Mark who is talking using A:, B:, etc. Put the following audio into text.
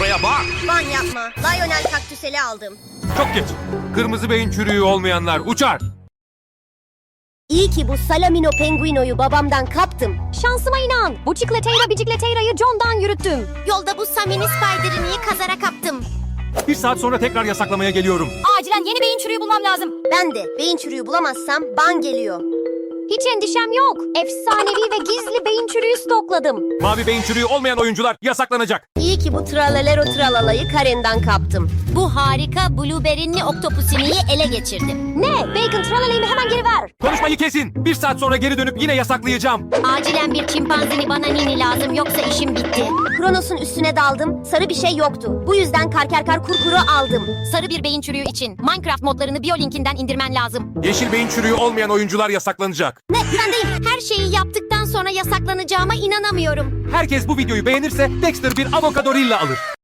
A: Şuraya bak.
B: Ban yapma. Lionel kaktüseli aldım.
A: Çok geç. Kırmızı beyin çürüğü olmayanlar uçar.
B: İyi ki bu Salamino Penguino'yu babamdan kaptım.
C: Şansıma inan. Bu Bicicleteira'yı John'dan yürüttüm.
B: Yolda bu Samini Spider'ını kazara kaptım.
A: 1 saat sonra tekrar yasaklamaya geliyorum.
C: Acilen yeni beyin çürüğü bulmam lazım.
B: Ben de beyin çürüğü bulamazsam ban geliyor.
C: Hiç endişem yok. Efsanevi ve gizli beyin çürüğü stokladım.
A: Mavi beyin çürüğü olmayan oyuncular yasaklanacak.
B: İyi ki bu Tralalero Tralalayı Karen'den kaptım.
D: Bu harika blueberry'li oktopusiniyi ele geçirdim.
C: Ne? Bacon tralaleyimi hemen geri ver.
A: Konuşmayı kesin. 1 saat sonra geri dönüp yine yasaklayacağım.
D: Acilen bir çimpanzini bana nini lazım yoksa işim bitti.
B: Kronos'un üstüne daldım. Sarı bir şey yoktu. Bu yüzden karkerkar kurkuru aldım.
D: Sarı bir beyin çürüğü için Minecraft modlarını Biolinkinden indirmen lazım.
A: Yeşil beyin çürüğü olmayan oyuncular yasaklanacak.
D: Ne? Güvendeyim. Her şeyi yaptıktan sonra yasaklanacağıma inanamıyorum.
A: Herkes bu videoyu beğenirse Dexter bir avokadorilla alır.